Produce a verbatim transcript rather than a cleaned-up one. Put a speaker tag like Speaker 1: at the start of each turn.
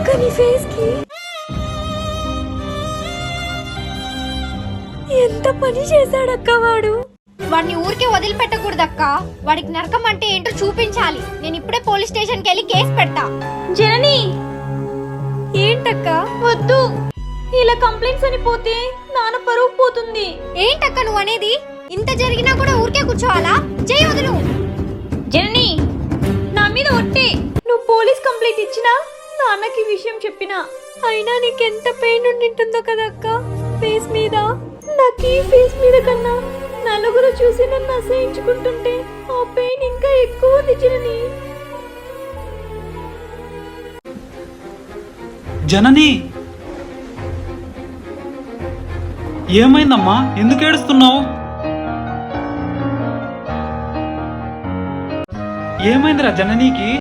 Speaker 1: అక్క నీ ఫేస్ కి ఎంత పని చేశాడక్క వాడు.
Speaker 2: వాడిని ఊరికే వదిలిపెట్టకూడదక్క. వాడికి నరకం అంటే ఏంటో చూపించాలి. నేను ఇప్పుడే పోలీస్ స్టేషన్ కి వెళ్ళి కేసు పెడతా.
Speaker 1: జనని ఏంటక్క?
Speaker 3: వద్దు, ఇలా కంప్లైంట్స్ అని పోతే నాన్న పరువు పోతుంది.
Speaker 2: ఏంటక్క నువ్వు అనేది? ఇంత జరిగినా కూడా ఊరికే కూర్చోవాలా? చెయ్యి వదులు.
Speaker 3: జనని నా మీద ఒట్టే, నువ్వు పోలీస్ కంప్లైంట్ ఇచ్చినా నాన్నకి విషయం చెప్పినా
Speaker 1: అయినా నీకెంత పెయిన్ ఉండింటుందో కదక్క ఫేస్ మీద.
Speaker 3: నాకు ఈ ఫేస్ మీద కన్నా నలుగురు చూసి నన్ను అసహించుకుంటుంటే ఆ పెయిన్ ఇంకా ఎక్కువ ఉంది జనని.
Speaker 4: జనని ఏమైందమ్మా? ఎందుకు ఏడుస్తున్నావు? ఏమైందిరా జననీకి?